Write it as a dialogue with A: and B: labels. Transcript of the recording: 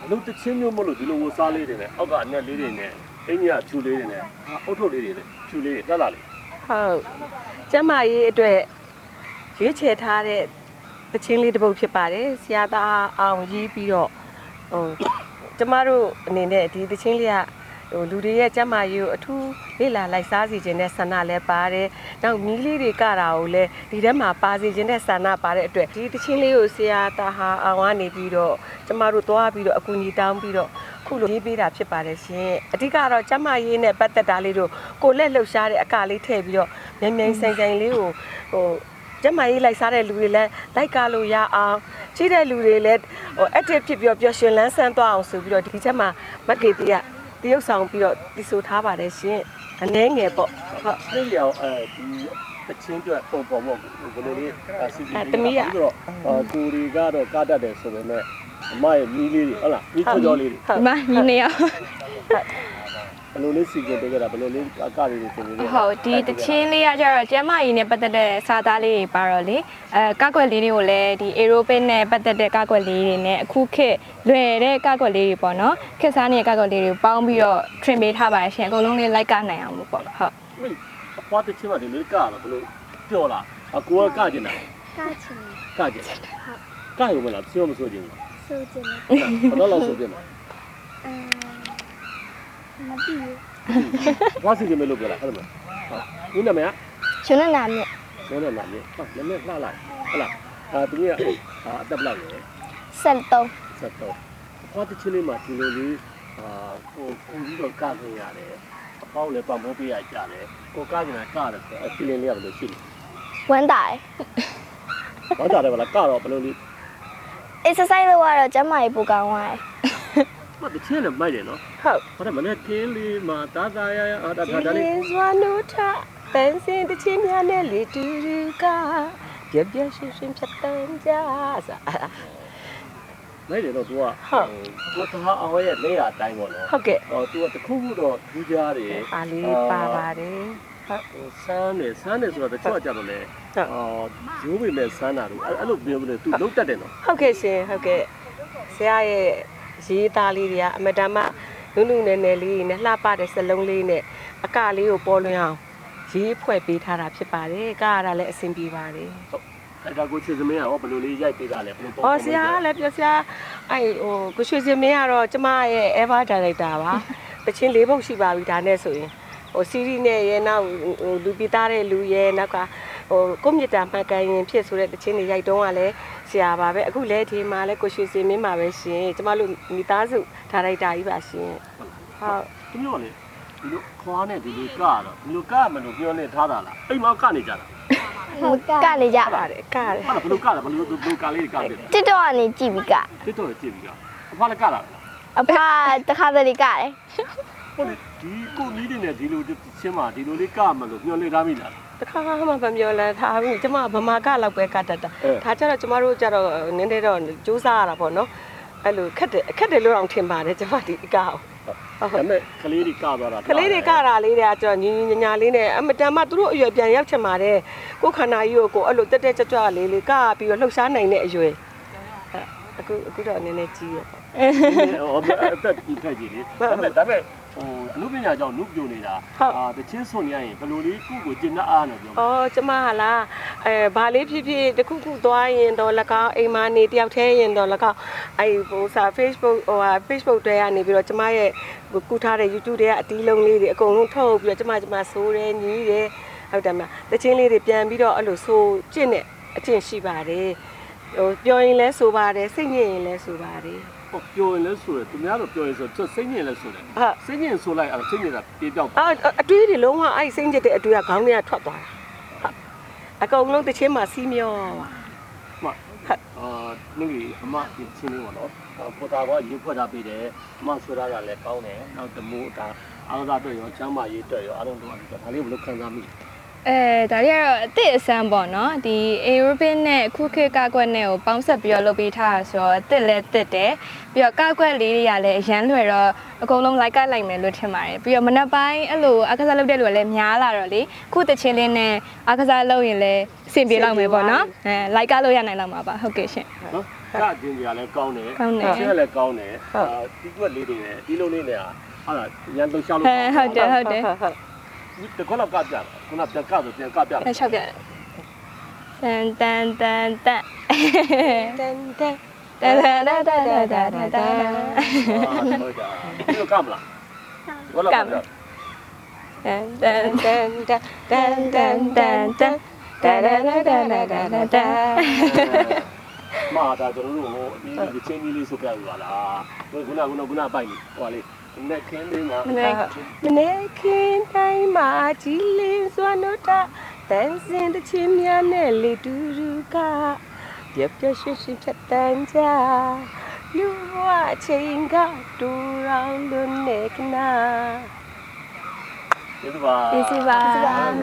A: လူတချင်းမျိုးမလို့ဒီလိုဝစားလေးတွေနဲ့အောက်ကအနက်လေးတွေနဲ့အင်းကြီးကဖြူလေးတွေနဲ့အုတ်ထုတ်လေးတွေနဲ့ဖြူလေးတွေတက်လာလေ
B: ဟုတ်ကျမကြီးအတွက်ရွေးချယ်ထားတဲ့တချင်းလေးတစ်ပုဒ်ဖြစ်ပါတယ်ဆရာသားအောင်ရေးပြီးတော့ဟိုကျမတို့အနေနဲ့ဒီတချင်းလေးကဟိုလူတွေရဲ့ကျမကြီးကိုအထူးလေ့လာလိုက်စားစီခြင်းနဲ့ဆန္ဒလည်းပါတယ်။နောက်မီးလေးတွေကတာကိုလည်းဒီထဲမှာပါစီခြင်းနဲ့ဆန္ဒပါတဲ့အတွက်ဒီတချင်းလေးကိုဆရာသားဟာအောင်ကနေပြီးတော့ကျမတို့သွားပြီးတော့အကူအညီတောင်းပြီးတော့ခုလိုရေးပေးတာဖြစ်ပါတယ်ရှင်။အဓိကတော့ကျမကြီးနဲ့ပတ်သက်တာလေးတို့ကိုလက်လှုပ်ရှားတဲ့အကလေးထည့်ပြီးတော့မြန်မြန်ဆိုင်ဆိုင်လေးကိုဟိုကျမကြီးလိုက်စားတဲ့လူတွေလည်းလိုက်ကားလို့ရအောင်ကြီးတဲ့လူတွေလည်းဟို active ဖြစ်ပြီးတော့ပျော်ရွှင်လန်းဆန်းသွားအောင်ဆိုပြီးတော့ဒီချက်မှာမက်ကေတီကတရုပ်ဆောင်ပြီးတော့တည်ဆိုထားပါတယ်ရှင်အနှဲငယ်ပေါ့ဟုတ်
A: ဒီရောဒီတချင်းတွေပုံပေါ်ပေါ့ဘယ်လိုလေးစီစီပြီးတော့ကိုရီကတော့ကားတတ်တယ်ဆိုပေမဲ့အမရဲ့မီးလေးတွေဟုတ်လားမီးကြောလေးတွေ
C: ဒီမှာညီနေရော
A: ဘယ်လိုလေးစီကပေးကြတာဘယ်လိုလေးအကလေးတွေသင်ပေးလဲ
C: ဟုတ်ဒီတချင်းလေးကကျတော့ကျမကြီးနဲ့ပတ်သက်တဲ့စာသားလေးတွေပါတော့လေကောက်ွက်လေးတွေကိုလည်းဒီ aerobic နဲ့ပတ်သက်တဲ့ကောက်ွက်လေးတွေနဲ့အခုခေတ်လွယ်တဲ့ကောက်ွက်လေးတွေပေါ့နော်ခေတ်စားနေတဲ့ကောက်ွက်လေးတွေကိုပေါင်းပြီးတော့ trim ပေးထားပါရှင်အကုန်လုံးလေးလိုက်ကနိုင်အောင်လို့ပေါ့ဟုတ်
A: အဖွားတချင်းမှဒီလေးကတော့ဘယ်လိုပြောလားအကိုကကျင်တာ
D: ကားချင်
A: ကကျင်ကရုံမလားပြောမဆိုချင်ဘူး
D: ဆိုချင်တယ်
A: ဘယ်တော့လောက်ဆိုပြမလဲ
D: မသိဘူး
A: ဘာစီကမလို့ပြောလားဟုတ်တယ်မဟုတ်ဒီနာမည်က
D: ရှင်နဲ့နာမြင့်
A: နည်းနည်းလာမြေဟုတ်နည်းနည်းလှလိုက်ဟုတ်လားသူကအတက်လောက်ရယ်
D: 73
A: ဆက်တော့အဖွားတချင်းလေးမှာဒီလိုလေးကိုပြီးတော့ကခင်ရတယ်အပေါင်းလည်းပတ်မိုးပေးရကြတယ်ကိုကကျင်တာကတယ်အဖီလင်းလေးကဘယ်လိုရှိလဲ
D: ဝမ်းတာရယ်
A: ဘာသာတယ်ဗလားကတော့ဘယ်လိုလေး
D: exercise လုပ်ရတော့ကျမကြီးပူကောင်းသွားတယ်
A: မတချင်းလည်းမိုက်တယ်နော်
B: ဟုတ်
A: ဘာလဲမနေ့ကင်းလေးမှာတာတာရရဒါ
B: ဒီ
A: လေး
B: လေးစွာနုထပန်းစင်တချင်းများနဲ့လေတူတူကပြပြရှင်းရှင်းဖြတ်တန်းကြစာ
A: လိုက်တယ်တော့ तू ကကိုသားအောင်ရဲ့လက်ရအတိုင်းပေါ့နော်
B: ဟုတ်ကဲ့
A: သူကတခုခုတော့ထူးခြားတယ်
B: အားလေးပါပါတယ်ဟုတ်
A: ဆန်းတယ်ဆိုတော့တချို့ကကြတော့လေရိုးပေမဲ့ဆန်းတာတို့အဲ့လိုပြောလို့ तू လုံးတက်တယ်နော်
B: ဟုတ်ကဲ့ရှင်ဟုတ်ကဲ့ဆရာရဲ့ရေးသားလေးတွေကအမတမနုနုနယ်နယ်လေးနဲ့လှပတဲ့စလုံးလေးနဲ့အကလေးကိုပေါ်လွင်အောင်ရေးဖွဲ့ပေးထားတာဖြစ်ပါတယ်ကရတာလည်းအဆင်ပြေပါတယ်
A: အဲ့ဒါကိုချစ်စမင်းကဘယ်လိုလေးရိုက်ပေးတာလဲဘယ်လိုပေါ့
B: ။အော်ဆရာကလည်းပြောဆရာအဲ့ဟိုကိုရွှေစင်မင်းကတော့ကျမရဲ့ ever director ပါ။တချင်း၄ပုတ်ရှိပါပြီဒါနဲ့ဆိုရင်ဟို series နဲ့ရဲနောက်ဟိုလူပိသားတဲ့လူရဲနောက်ကဟိုကိုမြစ်တာမှန်ကန်ရင်ဖြစ်ဆိုတဲ့တချင်းတွေရိုက်တုံးကလည်းဆရာပါပဲအခုလည်းဒီမှာလည်းကိုရွှေစင်မင်းပါပဲရှင်ကျမတို့မိသားစုဒါရိုက်တာကြီးပါရှင်ဟုတ်
A: သူမျိုးလေဒီလိုခွာနဲ့ဒီလိုကတော့ဒီလိုကမလို့ပြောနေထားတာလားအိမ်မှာကနေကြတာ
D: ကနေကြပါ
B: ပါတယ်ကရတယ်
A: ဟာဘယ်လိုကလဲဘယ်လိုကလေးကတယ်
D: TikTok ကနေကြည့်ပြီးက
A: တစ်တော့ကြည့်ပြီးကအဖွားလည်းကလာလား
D: အဖတခါတလေကတယ်
A: ဟုတ်လေဒီကိုမီးတွေနဲ့ဒီလိုချင်းမှာဒီလိုလေးကမလို့ပြောနေသားမိလား
B: တခါမှမပြောလဲဒါဘူးကျမဗမာကလောက်ပဲကတတ်တာဒါကြတော့ကျမတို့ကြတော့နည်းနည်းတော့စူးစမ်းရတာပေါ့နော်အဲ့လိုခက်တယ်လို့တော့ထင်ပါတယ်ကျမဒီအကောက်
A: ဒါပေမဲ့ကလေးတွေကသွားတာ
B: ကလေးတွေကတာလေးတွေကကျွန်တော်ညီညီညာလေးနဲ့အမတန်မှသူတို့အရွယ်ပြန်ရောက်ချင်ပါတယ်ကိုခန္ဓာကြီးကိုအဲ့လိုတက်တက်ကြွကြွလေးကပြီးတော့လှုပ်ရှားနိုင်တဲ့အရွယ်အခုတော့နည်းနည်းကြီးရပေါ့
A: ဟောအသက်ဒီထက်ကြီးလေဒါပေမဲ့အမှုပညာကြောင့်နုပြိုနေတာတချင်းဆွန်ရရင်ဘယ်လိုလေးကိုကျင်တတ်အားနဲ့ပြော
B: ဩကျမဟာလားဘာလေးဖြစ်ဖြစ်တခုခုသွားရင်တော့၎င်းအိမ်မနေတယောက်တည်းရင်တော့၎င်းအဲ့ဟိုစာ Facebook တွေကနေပြီးတော့ကျမရဲ့ကူထားတဲ့ YouTube တွေကအတီးလုံးလေးတွေအကုန်လုံးထုတ်ပြီးတော့ကျမဆိုးတယ်ညီးတယ်ဟုတ်တယ်မလားတချင်းလေးတွေပြန်ပြီးတော့အဲ့လိုဆိုးကျင့်တဲ့အကျင့်ရှိပါတယ်ဟိုပြောရင်လဲဆိုပါတယ်စိတ်ညစ်ရင်လဲဆိုပါတယ်
A: ပြောရင်လည်းဆိုတယ်သူများတော့ပြောရင်ဆိုသူစိတ်ညစ်လည်းဆိုတယ်စိတ်ညစ်ဆိုလိုက်အဲ့စိတ်ညစ်တာပြေပြောက်
B: အတွေးတွေလုံးဝအဲ့စိတ်ညစ်တဲ့အတွေးကခေါင်းထဲကထွက်သွားတာအကုန်လုံးတချင်းမှစီးမျောပါ
A: နင်ကြီးအမဒီချင်းလေးပေါ့နော်ပေါ်တာကရုပ်ဖွက်တာပေးတယ်အမဆွဲထားတာလည်းကောင်းတယ်နောက်တမိုးဒါအားသာတွေ့ရောချမ်းမရေးတွေ့ရောအားလုံးတော့ဒါလေးဘယ်လိုခံစားမိ
C: ဒါတွေကတော့အသစ်အဆန်းပေါ့နော်ဒီ aerobic နဲ့ခုခေတ်ကောက်ွက်နဲ့ကိုပေါင်းဆက်ပြီးတော့လုပ်ပေးထားတာဆိုတော့အသစ်လည်းသစ်တယ်ပြီးတော့ကောက်ွက်လေးတွေကလည်းအရန်လွယ်တော့အကုန်လုံးလိုက်ကလိုက်မယ်လို့ထင်ပါတယ်ပြီးတော့မနက်ပိုင်းအဲ့လိုအားကစားလုပ်တဲ့လူကလည်းများလာတော့လေခုတချင်းလေးနဲ့အားကစားလုပ်ရင်လည်းအဆင်ပြေလောက်မယ်ပေါ့နော်လိုက်ကလို့ရနိုင်လောက်မှာပါဟုတ်ကဲ့ရှင်
A: နော်ကကျင်းကြီးကလည်းကောင်းတယ်
C: ကောင်းတယ်
A: ဆင်းလည်းကောင်းတယ်ဒီကွက်လေးတွေနဲ့ဒီလိုလေးနဲ့ဟာလားရန်လှရှာလို့
C: ဟုတ်တယ်ဟုတ်တယ်
A: တကောလောက်ကပြခုနပြန်ကဆိုပြန်ကပြ
C: အဲ့6ပြတန်တန်တန်တန်
B: တန်တန်
C: တန်တန်တန်တန်တန်တန်တန်
A: ဟုတ်တာဒီလိုကမလားကောလောက်ကပြ
C: တန်တန်
B: တန်တန်တန်တန်တန်တန်တန်တန်တန်တန်တန်တန်တန်
A: မာတာကျွန်တော်တို့ဟိုဒီချင်းကြီးလေးဆိုပြရလားခုနပိုက်နေဟိုလေနဲ့ခင်းလေးမှာ
B: မနေ့ခင်တိုင်းမှာကြည်လင်းစွာနှုတ်တာတန်စင်တစ်ချင်းများနဲ့လေတူတူကပြပြရွှင်ရွှင်ဖြတ်တန်းကြလူဘဝချိန်ကတူရောင်လွန်နေကနာ
A: ကျေးဇူးပါ
C: ကျေးဇူးပါ